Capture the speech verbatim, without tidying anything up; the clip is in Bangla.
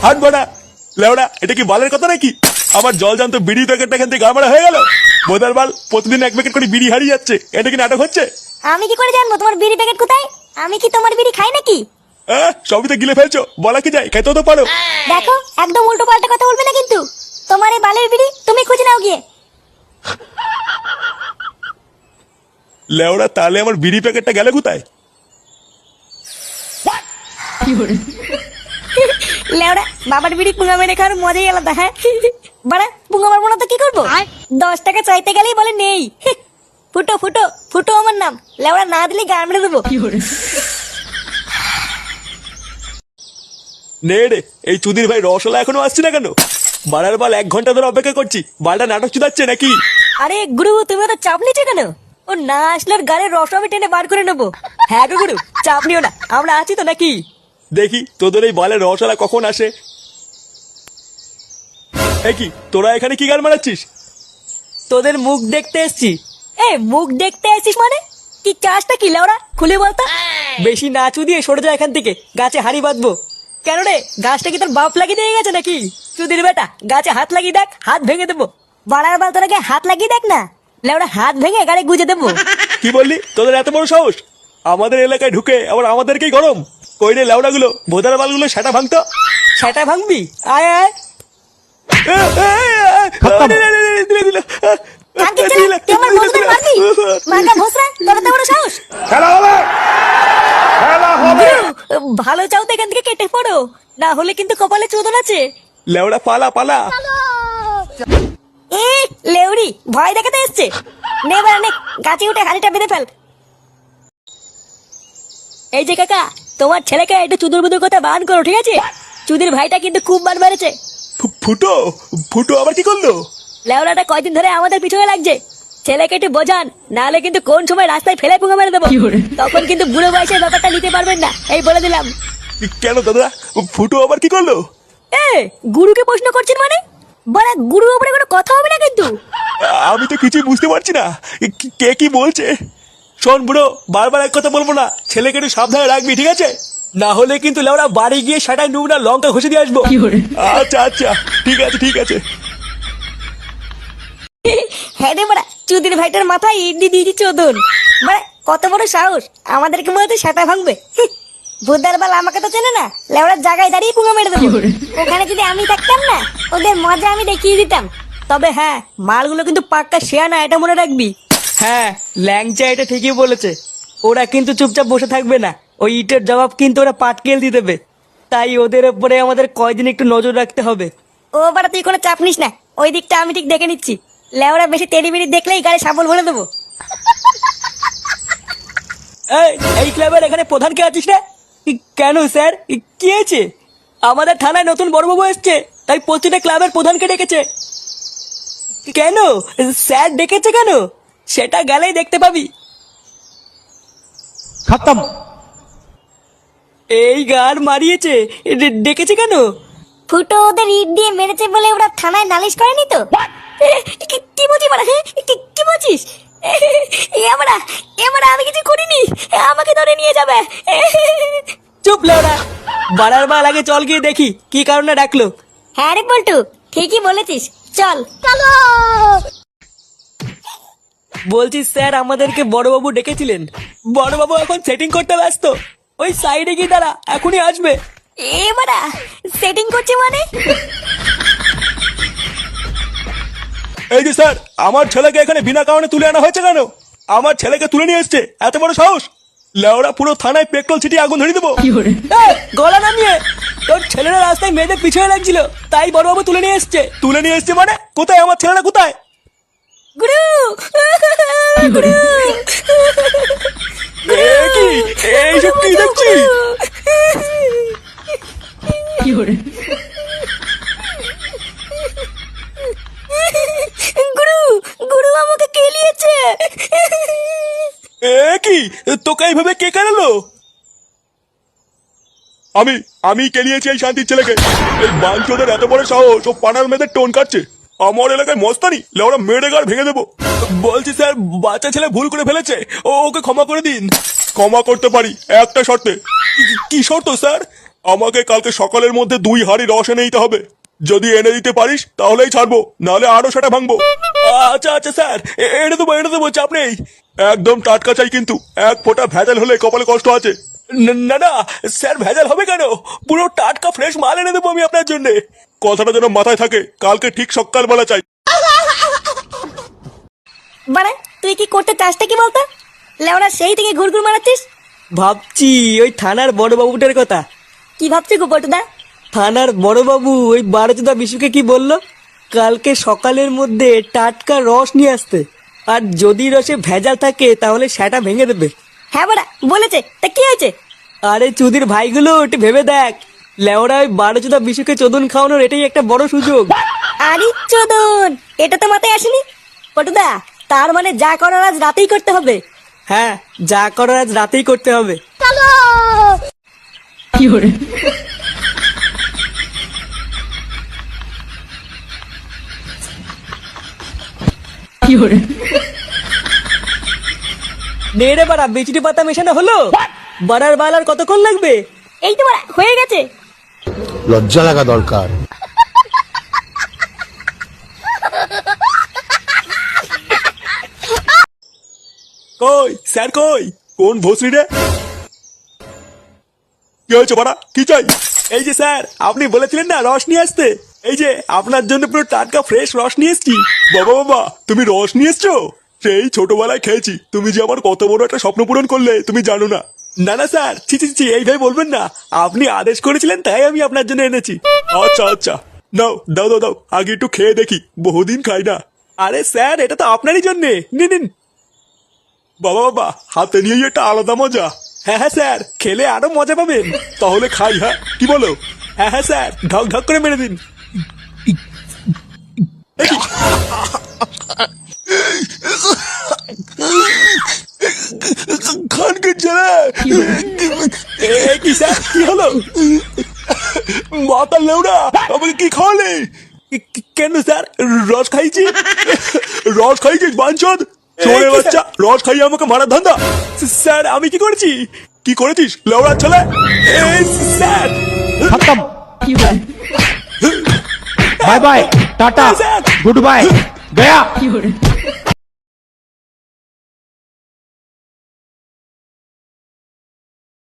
হাট বাড়া লেওড়া, এটা কি বালের কথা নাকি? আমার জল জানতো বিড়ি প্যাকেটটা এখান থেকে গাড়মারা হয়ে গেল। বোধার বাল প্রতিদিন এক প্যাকেট করে বিড়ি হারিয়ে যাচ্ছে, এটা কি নাটক হচ্ছে? আমি কি করে জানবো তোমার বিড়ি প্যাকেট কোথায়? আমি কি তোমার বিড়ি খাই নাকি? হ্যাঁ, সবই তো গিলে ফেলছো, বলা কি যায়, খেতেও তো পারো। দেখো একদম উল্টো পাল্টা কথা বলবে না কিন্তু। তোমার এই বালের বিড়ি তুমি খুঁজে নাও গিয়ে। লেওড়া, তাহলে আমার বিড়ি প্যাকেটটা গেলে কোথায়? লেওড়া, বাবার বিড়ি পুঙ্গা মেরে খাওয়ার মজাই আলাদা। হ্যাঁ বাড়া, পুঙ্গা মারবো না তো কি করবো? দশ টাকা চাইতে গেলেই বলে নেই। ফুটো ফুটো ফুটো আমার নাম। লেওড়া, না দিলে গান মেরে দেবো। নে রে, এই চুদির ভাই রসলা এখনো আসছে না কেন? বাড়ার বাল এক ঘন্টা ধরে অপেক্ষা করছি, বালটা নাটক চুদাচ্ছে নাকি? আরে গুরু, তুমি তো চাপ নিচ্ছ কেন? ও না আসলে ওর গাড়ির রস আমি টেনে বার করে নেবো। হ্যাঁ গো গুরু, চাপ নিও না, আমরা আছি তো নাকি? দেখি তোদের এই বালের রসলা কখন আসে। এ কি, তোরা এখানে কি গান মারাচ্ছিস? তোদের মুখ দেখতে এসছি। এ মুখ দেখতে আসিস মানে? কি চাষটা কি লেওড়া, খুলে বলতো। বেশি নাচু দিয়ে সরে যা এখান থেকে, গাছে হাড়ি বাঁধবো। কেন রে, গাছটা কি তোর বাপ লাগিয়ে দিয়ে গেছে নাকি? চুদির বেটা, গাছে হাত লাগিয়ে দেখ, হাত ভেঙে দেবো। বাড়ার বাল তোরাকে হাত লাগিয়ে দেখ না, লেওড়া হাত ভেঙে গাড়ি গুজে দেবো। কি বললি? তোদের এত বড় সাহস আমাদের এলাকায় ঢুকে আবার আমাদেরকেই গরম? কই রে লেওড়া গুলো, ভোদার বালগুলো সেটা ভাঙতো। সেটা ভাঙবি? আয় আয়। কাকে ছেলে, তুই আমার বন্ধুদের মারবি? মাঙ্গা ভোসরা, তোর এত বড় সাহস? খেলা হবে, খেলা হবে। গুরু, ভালো চাও তো এখান থেকে কেটে পড়ো, না হলে কিন্তু কপালে চোদন আছে। লেওড়া পালা পালা। এ লেউড়ি, ভয় দেখাতে এসছে। নে বাড়া নে, গাছে উঠে হাড়িটা বেঁধে ফেল। এই যে কাকা, তোমার ছেলেকে একটু চুদুর বুদুর কথা বান করো, ঠিক আছে? চুদির ভাইটা কিন্তু খুব বার মেরেছে। ফু- ফুটো ফুটো আবার কি করলো? লেওড়াটা কয়দিন ধরে আমাদের পিছনে লাগছে। ছেলেকে একটু বোঝান, নাহলে কিন্তু কোন সময় রাস্তায় ফেলে পুঙ্গা মেরে দেবো। তখন কিন্তু বুড়ো বয়সের ব্যাপারটা নিতে পারবেন না, এই বলে দিলাম। কেন দাদা, ফুটো আবার কি করলো? এ গুরুকে প্রশ্ন করছেন মানে? বাড়া, গুরুর উপরে কোনো কথা হবে না কিন্তু। আমি তো কিছুই বুঝতে পারছি না, কি- কে কি বলছে। শোন বুড়ো, বারবার এক কথা বলবো না, ছেলেকে একটু সাবধানে রাখবি, ঠিক আছে? না হলে কিন্তু লেওড়া বাড়ি গিয়ে সেটাই নুব না লঙ্কা ঘষে দিয়ে আসবো। আচ্ছা আচ্ছা, ঠিক আছে ঠিক আছে। হ্যাঁ রে বাড়া, চুদির ভাইটার মাথায় ইডলি দিয়েছি চোদন। বাড়া, কত বড় সাহস, আমাদেরকে মনে হচ্ছে সেটা ভাঙবে। ভুদার বাল আমাকে তো চেনে না, লেওড়ার জায়গায় দাঁড়িয়ে পুঙ্গা মেরে দেবো। ওখানে যদি আমি থাকতাম না, ওদের মজা আমি দেখিয়ে দিতাম। তবে হ্যাঁ, মালগুলো কিন্তু পাক্কা শেয়া না, এটা মনে রাখবি। হ্যাঁ, ল্যাংচা এটা ঠিকই বলেছে। ওরা কিন্তু চুপচাপ বসে থাকবে না, ওই ইটের জবাব কিন্তু ওরা পাটকেল দিয়ে দেবে। তাই ওদের উপরে আমাদের কয়দিন একটু নজর রাখতে হবে। ও বাড়া, তুই কোনো চাপ নিস না, ওই দিকটা আমি ঠিক দেখে নিচ্ছি। লেওড়া বেশি তেড়ি বেড়ি দেখলেই গাড়ি সাবল ভরে দেবো। এই, এই ক্লাবের এখানে প্রধান কে আছিস রে? কেন স্যার, কি হয়েছে? আমাদের থানায় নতুন বড়বাবু এসছে, তাই প্রতিটা ক্লাবের প্রধানকে ডেকেছে। কেন স্যার ডেকেছে কেন? সেটা গেলেই দেখতে পাবি। খতম। এই গার মারিয়েছে, ডে- ডেকেছে কেন? ফুটো ওদের ইট দিয়ে মেরেছে বলে ওরা থানায় নালিশ করেনি তো? কি- কি বলছিস বাড়া, হ্যাঁ? কি- কি বলছিস? এবারা এবারা আমি কিছু করিনি, আমাকে ধরে নিয়ে যাবে। চুপ লেওড়া, বাড়ার বাল আগে চল গিয়ে দেখি কি কারণে ডাকলো। হ্যাঁ রে পল্টু, ঠিকই বলেছিস, চল চলো। বলছি স্যার, আমাদেরকে বড়বাবু ডেকেছিলেন। বড়বাবু এখন সেটিং করতে ব্যস্ত, ওই সাইডে গিয়ে দাঁড়া, এখনই আসবে। এবারা সেটিং করছে মানে? এই যে স্যার, আমার ছেলেকে এখানে বিনা কারণে তুলে আনা হয়েছে কেন? আমার ছেলেকে তুলে নিয়ে এসছে, এত বড় সাহস! লেওড়া, পুরো থানায় পেট্রোল ছিটিয়ে আগুন ধরিয়ে দেবো। এই, গলা নামিয়ে। তোর ছেলেরা রাস্তায় মেয়েদের পিছনে লাগছিল, তাই বড়বাবু তুলে নিয়ে এসছে। তুলে নিয়ে এসছে মানে? কোথায় আমার ছেলেরা, কোথায়? গুরু গুরু, এ কি, এইসব কি দেখছি? গুরু গুরু আমাকে কেলিয়েছে। এ কি, তোকে এইভাবে কে কেনালো? আমি আমি কেলিয়েছি এই শান্তির ছেলেকে। এই বাঞ্চোদের এত বড় সাহস, ও পাড়ার মেয়েদের টোন কাটছে। আমার এলাকায় মস্তানি, লেওড়া মেরে গাড় ভেঙে দেবো। বলছি স্যার, বাচ্চা ছেলে ভুল করে ফেলেছে, ও ওকে ক্ষমা করে দিন। ক্ষমা করতে পারি একটা শর্তে। কি- কি শর্ত স্যার? আমাকে কালকে সকালের মধ্যে দুই হাঁড়ি রস এনে দিতে হবে। যদি এনে দিতে পারিস তাহলেই ছাড়বো, নাহলে আরো সেটা ভাঙবো। আচ্ছা আচ্ছা স্যার, এ- এনে দেবো এনে দেবো, চাপ নেই। একদম টাটকা চাই কিন্তু, এক ফোঁটা ভেজাল হলে কপালে কষ্ট আছে। ন- না না স্যার, ভেজাল হবে কেন? পুরো টাটকা ফ্রেশ মাল এনে দেবো আমি আপনার জন্য। কথাটা যেন মাথায় থাকে, কালকে ঠিক সকালবেলা চাই। বাড়া তুই কি করতে চাসটা কি বলতো? লেওরা সেই থেকে ঘুরঘুর মারাচ্ছিস। ভাবছি ওই থানার বড়বাবুটার কথা। কি ভাবছি গো পটুদা? থানার বড়বাবু ওই বারোচোদা বিশুকে কি বললো, কালকে সকালের মধ্যে টাটকা রস নিয়ে আসতে, আর যদি রসে ভেজাল থাকে তাহলে সেটা ভেঙে দেবে। হ্যাঁ বাড়া বলেছে, তা কি হয়েছে? আরে চুদির ভাইগুলো একটু ভেবে দেখ, লেওরা ওই বারোচোদা বিশুকে চোদন খাওয়ানোর এটাই একটা বড় সুযোগ। আরে চোদন, এটা তো মাথায় আসেনি। পটুদা তার মানে যা করার আজ রাতেই করতে হবে। হ্যাঁ, যা করার আজ রাতেই করতে হবে। নে রে বাড়া, বিচুটি পাতা মেশানো হলো। বাড়ার বালার কতক্ষণ লাগবে? এই তো বাড়া হয়ে গেছে। লজ্জা লাগা দরকার। কই স্যার কই? কোন ভোসরি রে? কি হয়েছে বাড়া, কি চাই? এই যে স্যার, আপনি বলেছিলেন না রস নিয়ে আসতে, এই যে আপনার জন্য পুরো টাটকা ফ্রেশ রস নিয়ে এসছি। বাবা বাবা, তুমি রস নিয়ে এসছো? সেই ছোটবেলায় খেয়েছি, তুমি যে আমার কত বড় একটা স্বপ্ন পূরণ করলে তুমি জানো না। না না স্যার, ছি ছি ছি, এইভাবে বলবেন না। আপনি আদেশ করেছিলেন তাই আমি আপনার জন্য এনেছি। আচ্ছা আচ্ছা, নাও দাও দাও দাও, আগে একটু খেয়ে দেখি, বহুদিন খাই না। আরে স্যার, এটা তো আপনারই জন্যে, নিন নিন। বাবা বাবা, হাতে নিয়েই একটা আলাদা মজা। হ্যাঁ হ্যাঁ স্যার, খেলে আরো মজা পাবেন। তাহলে খাই, হ্যাঁ কি বলো? হ্যাঁ হ্যাঁ স্যার, ঢক ঢক করে মেরে দিন। এ কি? খানকে ছেলে, এ কি স্যার, কি হলো? মাতার লেউড়া, আমাকে কি খাওয়ালে? কি- কি- কেন স্যার, রস খাইছি? রস খাইছিস বাঞ্চদ? চোরে বাচ্চা, রস খাইয়ে আমাকে মারার ধান্দা। স্যার আমি কি করেছি? কি করেছিস লেউড়া ছেলে? এ, স্যার खत्म bye bye tata sir good bye गया